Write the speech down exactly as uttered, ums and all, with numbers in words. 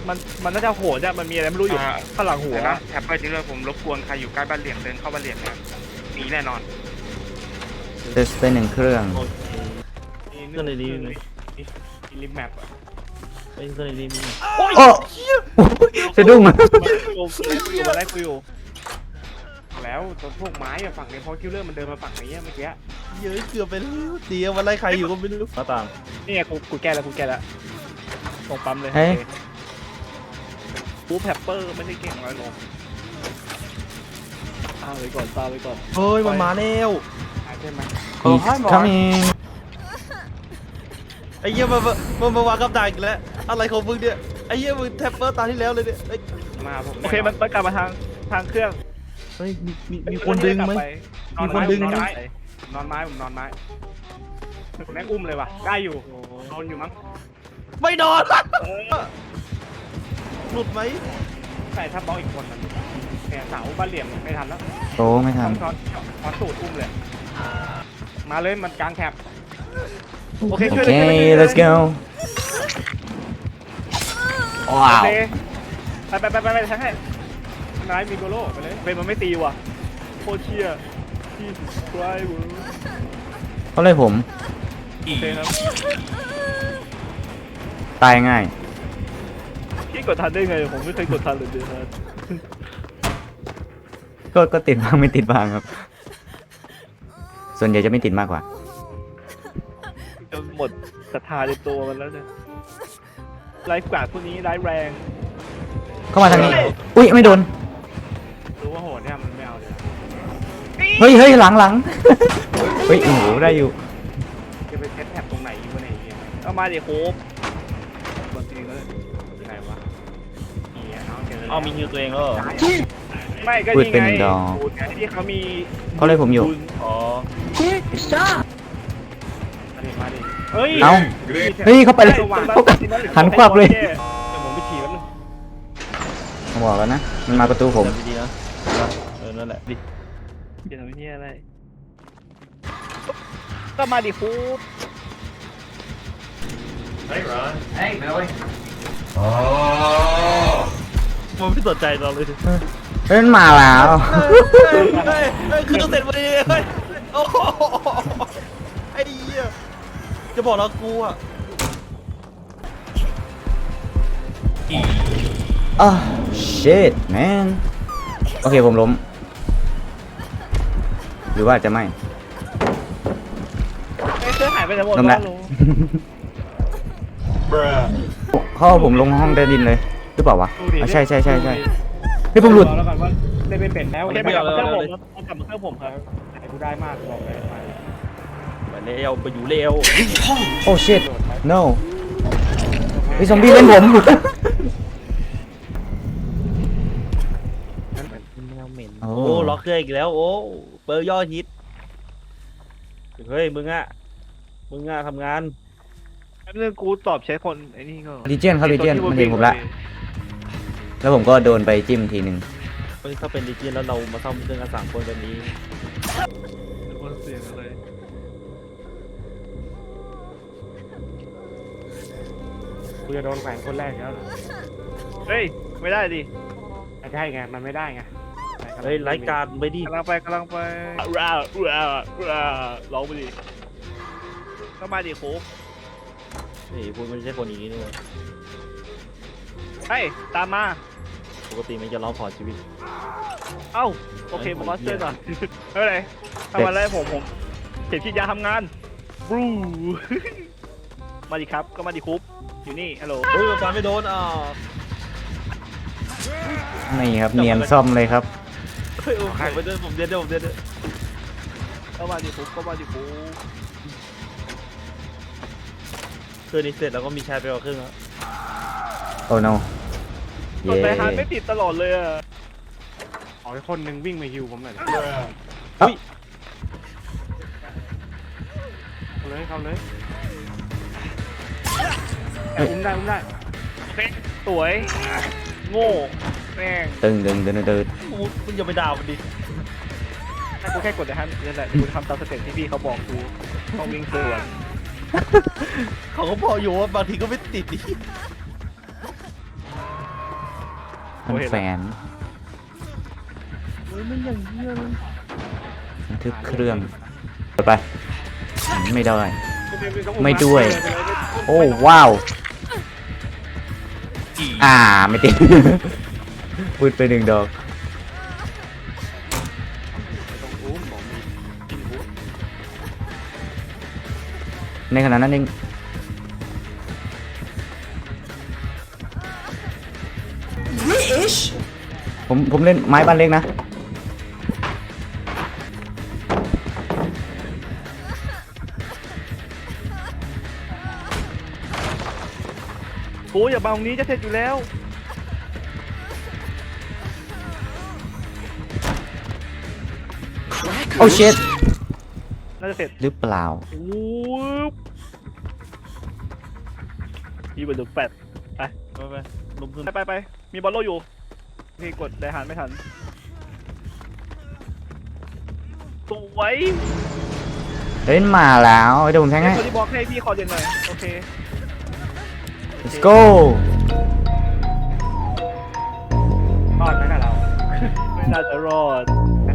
มันมันน่าจะโหดอะมันมีอะไรไม่รู้อยู่ข้างหลังหัวแท็บเปิลจริงเลยผมรบกวนใครอยู่ใกล้บ้านเหลี่ยมเดินเข้าบ้านเหลี่ยมนะมีแน่นอนเทสไปหนึ่งเครื่องโอเคเครื่องในนี้มีมีลิมแมปอะไม่เครื่องในนี้มีโอ้จะดุ้งอะกูอยู่มาไล่กูอยู่แล้วตรงพวกไม้อะฝั่งในพอคิวเลอร์มันเดินมาฝั่งนี้เมื่อกี้เยอะเกือบไปแล้วเดียววันไล่ใครอยู่ก็ไม่รู้มาตามนี่ไงกูกูแก้แล้วกูแก้แล้วตรงปั๊มเลยเฮ้ยกูแพปเปอร์ไม่ได้เก่งอะไรหรอกตามไปก่อนตามไปก่อนเฮ้ยมันมาแล้วใช่ไหมอีกคำอีกไอ้เหี้ยมันมันมาวางกับดักอีกแล้วอะไรของมึงเนี่ยไอ้เหี้ยมึงแท็ปเปอร์ตาที่แล้วเลยเนี่ยเอ้ยมาผมโอเคมันมันกลับมาทางทางเครื่องเฮ้ยมีมีมีคนดึงไหม มีคนดึงนอนไหมไม้นอนไม้ผมนอนไม้แม่งอุ้มเลยว่ะได้อยู่นอนอยู่มั้งไม่นอนหลุดไหมใส่ทับบล็อกอีกคนนึงเนี่ยเสาบ้านเหลี่ยมไม่ทันแล้วโตไม่ทันช้อนช้อนตูดอุ้มเลยมาเลยมันกลางแคบโอโอเคเคช่วยเลยช่วยเลย let's go ว้าวโอเคไปไปไปไปไปทั้งให้นายมีโกโล่ไปเลยเป็นมันไม่ตีว่ะโคตรเชี่ยที่สุดท้ายเว้ยเขาเลยผมโอเคครับตายง่ายพี่กดทันได้ไงผมไม่เคยกดทันเลยเดือนนั้นก็ก็ติดบ้างไม่ติดบ้างครับ ส่วนใหญ่จะไม่ติดมากกว่าจนหมดศรัทธาในตัวมันแล้วเนี่ยไลฟ์กาดพวกนี้ร้ายแรงเข้ามาทางนี้ อุ้ยไม่โดนรู้ว่าโหดเนี่ยมันไม่เอาเลยเฮ้ยเฮ้ยหลังหลัง เฮ้ยโอ้โหได้อยู่จะไปเซตแท็บตรงไหนอยู่วะไหนเนี่ยเอามาดิโคบบนทีเลยที่ไหนวะนี่อ่ะเอาเจอเอามีฮิวตัวเองแล้วเหรอไม่ก็พูดนี่เป็นไงดอกสูตรไงที่เขามีเขาเลยผมอยู่อ๋อมาดิมาดิเฮ้ยเอ้า เฮ้ยเข้าไปเลยหันควับเลยเดี๋ยวผมไปฉี่แป๊บนึงผมบอกแล้วนะ มันมาประตูผมดีๆนะเออนั่นแหละดิเดี๋ยวทำเนี้ยอะไรก็มาดิคูบมันไม่สนใจเราเลยเฮ้ยมันมาแล้วเฮ้ยเฮ้ยเฮ้ยคือต้องเสร็จพอดีเฮ้ยโอ้โหไอ้เหี้ยจะบอกแล้วกูอ่ะอ้าว shit man โอเคผมล้ม หรือว่าจะไม่ไอ้เสื้อหายไปไหนหมดล้มแล้วรู้เขาเอาผมลงห้องใต้ดินเลยหรือเปล่าวะอ่ะใช่ใช่ใช่ใช่เฮ้ยผมหลุดแล้วกันว่าได้ไม่เป็นแล้วได้ไม่กลับมาเครื่องผมเอากลับมาเครื่องผมครับหายกูได้มากบอกเลยไปเร็วไปอยู่เร็วโอ้ shit no ไอ้ซอมบี้เล่นผมแมวเหม็นโอ้โอ้ล็อกเครื่องอีกแล้วโอ้เบอร์ยอดฮิตเฮ้ยมึงอ่ะมึงอ่ะทำงานแป๊บนึงกูตอบใช้คนไอ้นี่ก็ลีเจียนครับลีเจียนมันเห็นผมละแล้วผมก็โดนไปจิ้มทีหนึ่งเฮ้ยถ้าเป็นดิจินแล้วเรามาซ่อมเครื่องกันสามคนแบบนี้คนเสียงเลยกูจะโดนแขวนคนแรกแล้วเฮ้ยไม่ได้ดิไม่ได้ไงมันไม่ได้ไงเฮ้ยรายการไปดิกำลังไปกำลังไปว้าวว้าวว้าวร้องไปดิก็มาดิโค้กเฮ้ยพูดไม่ใช่คนอย่างนี้นี่หว่าเฮ้ยตามมาปกติมันจะร้องขอชีวิตเอ้าโอเคผมมาช่วยก่อนไม่เป็นไรทำอะไรผมผมเข็มฉีดยาทำงานบรูมาดิครับก็มาดิคุปอยู่นี่ฮัลโหลเฮ้ยฟันไม่โดนอ่ะนี่ครับเนียนซ่อมเลยครับเฮ้ยโอ้ยไปเดินผมเดินเดินผมเดินก็มาดิคุปก็มาดิคุปเครื่องนี้เสร็จแล้วก็มีชายไปเอาเครื่องแล้วโอ้ no กเย้ดไปฮาร์ดไม่ติดตลอดเลยอะขอให้คนหนึ่งวิ่งมาฮิวผมหน่อยเอ้าเข้าเลยเข้าเลยอุ้มได้อุ้มได้โอเคสวยโง่แม่งตึงตึงตึงตึงกูมึงอย่าไปด่ามันดิถ้ากูแค่กดในฮันนี่แหละกูทำตามสเต็ปที่พี่เขาบอกกูต้องวิ่งสวนเขาก็บอกอยู่ว่าบางทีก็ไม่ติดดิพันแฟนเฮ้ยมันอย่างเงี้ยเลยบันทึกเครื่องไปไปอืมไม่ได้ ไม่ด้วย โอ้ว้าว อ่าไม่ติด พูดไปหนึ่งดอกในขณะนั้นเองผมผมเล่นไม้บ้านเล็กนะโอ้ยอย่าบังตรงนี้จะเสร็จอยู่แล้วโอ้เช็ดน่าจะเสร็จหรือเปล่าโอ้ยมีบอลลูนแปดไปไปไปลงทุนไปไปไปมีบอลโลอยู่พี่กดไดหันไม่ทันสวยเล่นมาแล้วเดี๋ยวผมแทงให้คนที่บล็อกให้พี่ขอเรียนหน่อยโอเค let's go รอดไหมนะเราไม่น่าจะรอด